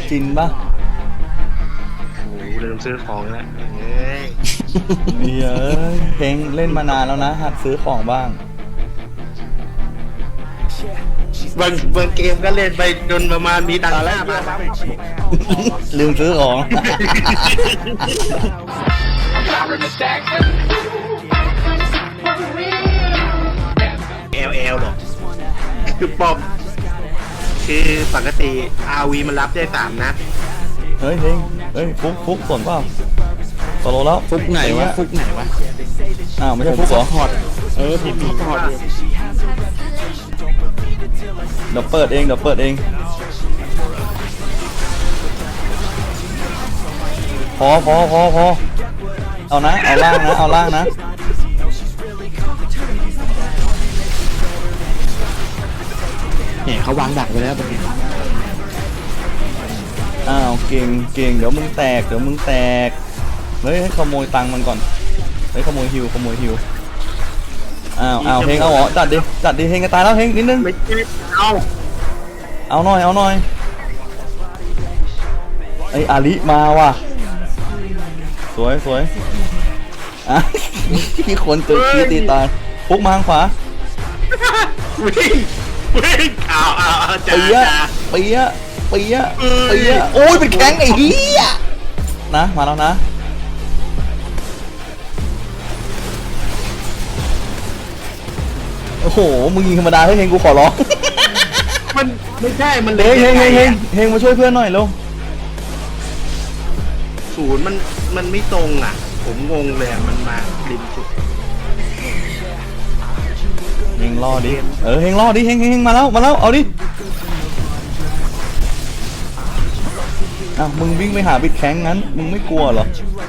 จินปะโอ้โหลืมซื้อของแล้วเฮ้ยเฮ้ยเพลงเล่นมานานแล้วนะหัดซื้อของบ้างบางเกมก็เล่นไปจนประมาณมีตังค์5 บาทลืมซื้อของ LL หรอคือปอมคือปกติ RV มันรับได้3 นัดเฮ้ยเพลงเฮ้ยฟุกสนเปล่าตโลแล้วฟุกไหนวะฟุกไหนวะอ้าวไม่ใช่ฟุกเหรอพอร์ตผมซัพพอร์ตอยู่เดี๋ยวเปิดเองพอเอานะเอาล่างนะเนี่ยเขาวางดักไว้แล้วตรงนี้อ้าวเก่งเดี๋ยวมึงแตกเฮ้ยให้ขโมยตังค์มันก่อนเฮ้ยขโมยฮิวอ้าวเฮงเอาเหรอจัดดิเฮงจะตายแล้วเฮงนิดนึงไม่ใช่เอาหน่อยไออาลิมาว่ะสวยอ่ะพี่คนตึกพี่ตีตายพุกมาทางขวาวิ่งเอาจ้าเปียโอ้ยเป็นแข้งไอ้เหี้ยนะมาแล้วนะโอ้โหมึงยิงธรรมดาให้เฮงกูขอร้องมันไม่ใช่มันเฮงมาช่วยเพื่อนหน่อยเร็วศูนย์มันไม่ตรงอ่ะผมงงเลยมันมาริมสุดเฮงล่อดิเฮงล่อดิเฮงมาแล้วเอาดิอ้าวมึงวิ่งไปหาบิดแข้งงั้นมึงไม่กลัวเหรอ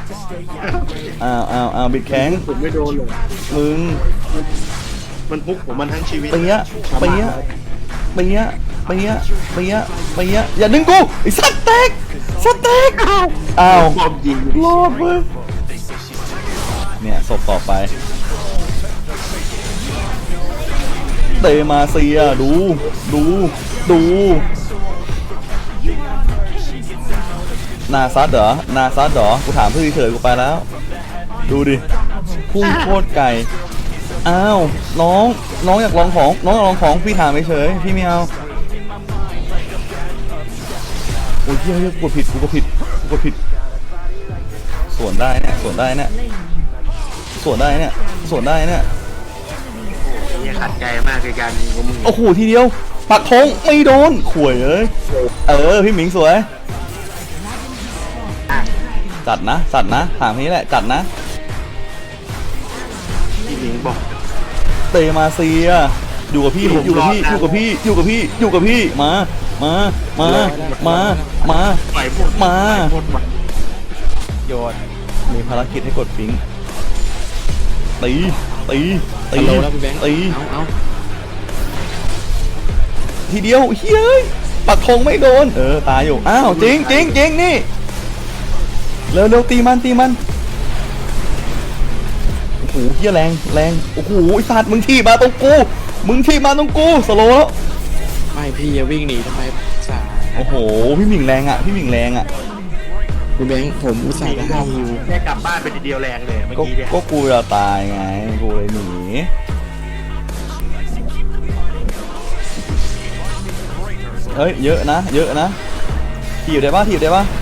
อ้าวบิดแข้งผมไม่โดนเลยมึงมันพุกผมมันทั้งชีวิตเปียอย่าดึงกูไอ้สัตว์แตกอ้าวบอมยิงรอดเว้ยเนี่ยศพต่อไปเตมาเซียดูนาซัดเหรอกูถามเพื่อเฉยๆกูไปแล้วดูดิพุ่งโคตรไกลอ้าวน้องอยากลองของพี่ถามเฉยๆพี่ไม่เอาโอ้ยเฮ้ยกูผิดสวนได้เนี่ยนี่ขัดใจมากในการยิงของมึงโอ้โหทีเดียวปักธงไม่โดนข่วยพี่หมิงสวยจัดนะถามนี้แหละจัดนะพี่หมิงบอกเตมาเซียอยู่กับพี่มาปล่อยหมดโยนมีภารกิจให้กดฟิงตีฮัลโหลแล้วพี่แบงค์เอาทีเดียวเฮ้ยปักธงไม่โดนตายอยู่อ้าวจริงนี่เร็วตีมันโอ้โหเฮียแรงโอ้โหไอ้สัตว์มึงที่มาตรงกูสโลแล้วไม่พี่อย่าวิ่งหนีทำไมสาโอ้โหพี่หมิงแรงอ่ะพี่พี่แบงค์ผมอุตส่าห์จะให้อยู่แค่กลับบ้านไปทีเดียวแรงเลยเมื่อกี้เนี่ยก็กูจะตายไงกูเลยหนีเฮ้ยเยอะนะถีบได้ปะ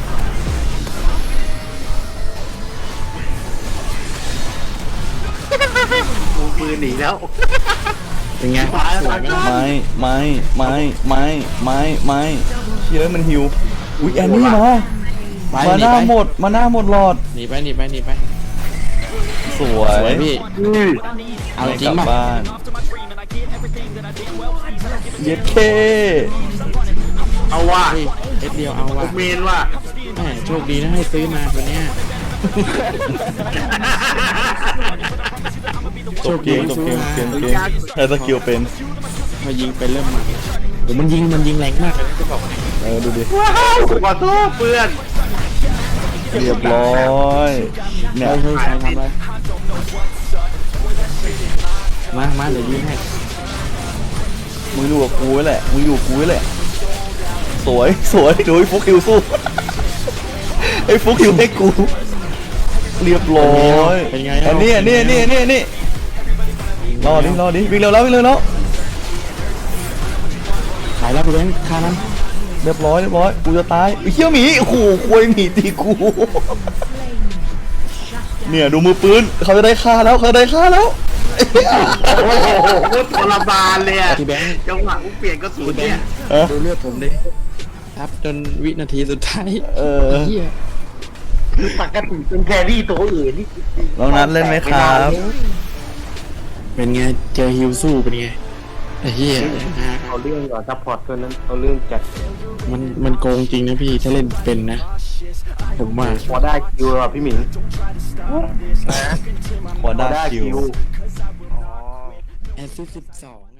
มือหนีแล้วเป็นไงไม่เฮ้ยมันหิวอุ๊ยแอนนี่มาหน้าหมดหลอดหนีไปสวยพี่เอาจริกลังบป่ะบ้านเย็ดเคเอาว่าพี่เอสเดียวเอาผว่ะมเมนว่าแหมโชคดีนะให้ซื้อมาตัวเนี้ยจบเกมให้สกิลเป็นพอยิงไปเริ่มมาโอ้มันยิงแรงมากเลยนะจะบอกให้ดูดิว้าวขอโทษเพื่อนเรียบร้อยเนี่ยเฮ้ยใครทำอะไรมาเดี๋ยวยิงให้มึงอยู่กับกูแหละสสวยสวยดูไอ้ฟุกฮิวสู้ ไอ้ฟุกฮิวให้กู เรียบร้อยเป็นไงอันนี้นี่รอดิวิ่งเร็วแล้วขายแล้วไปแบงค์ค่านั้นเรียบร้อยกูจะตายไอ้เหี้ยหมีโอ้โหควยหมีตีกู เนี่ยดูมือปืนเขาจะได้ฆ่าแล้วโอ้โหทรมานเลยอะที่แบงค์จังหวะกูเปลี่ยนกระสุนเนี่ยเออดูเลือดผมดิครับจนวินาทีสุดท้ายเออเฮียคือปกติเป็นแครี่ตัวอื่นนี่ลองนัดเล่นไหมครับเป็นไงเจอฮิวสู้เป็นไงไอ้เฮียเอาเรื่องก่อนซัพพอร์ตตัวนั้นเอาเรื่องจัดมันโกงจริงนะพี่ถ้าเล่นเป็นนะผมว่าพอได้คิวอะพี่หมิงขอได้คิวแอสซิส12